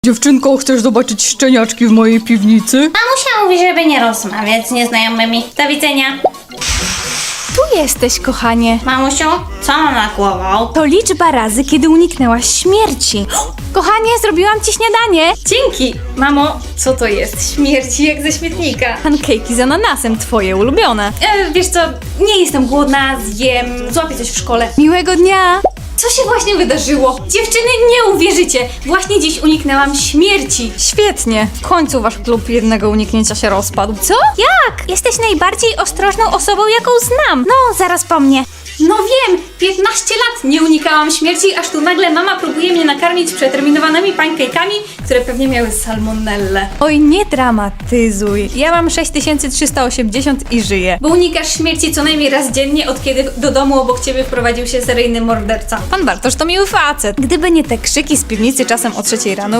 Dziewczynko, chcesz zobaczyć szczeniaczki w mojej piwnicy? Mamusia mówi, żeby nie rozmawiać z nieznajomymi. Do widzenia. Tu jesteś, kochanie. Mamusiu, co mam na głową? To liczba razy, kiedy uniknęłaś śmierci. Kochanie, zrobiłam ci śniadanie. Dzięki! Mamo, co to jest? Śmierci jak ze śmietnika. Pankejki z ananasem, twoje ulubione. Wiesz co, nie jestem głodna, zjem, złapię coś w szkole. Miłego dnia. Co się właśnie wydarzyło? Dziewczyny, nie uwierzycie! Właśnie dziś uniknęłam śmierci. Świetnie. W końcu wasz klub jednego uniknięcia się rozpadł. Co? Jak? Jesteś najbardziej ostrożną osobą, jaką znam. No, zaraz po mnie. No wiem, 15 lat nie unikałam śmierci, aż tu nagle mama próbuje mnie nakarmić przeterminowanymi pancake'ami, które pewnie miały salmonellę. Oj, nie dramatyzuj. Ja mam 6380 i żyję. Bo unikasz śmierci co najmniej raz dziennie, od kiedy do domu obok ciebie wprowadził się seryjny morderca. Pan Bartosz to miły facet. Gdyby nie te krzyki z piwnicy czasem o 3 rano,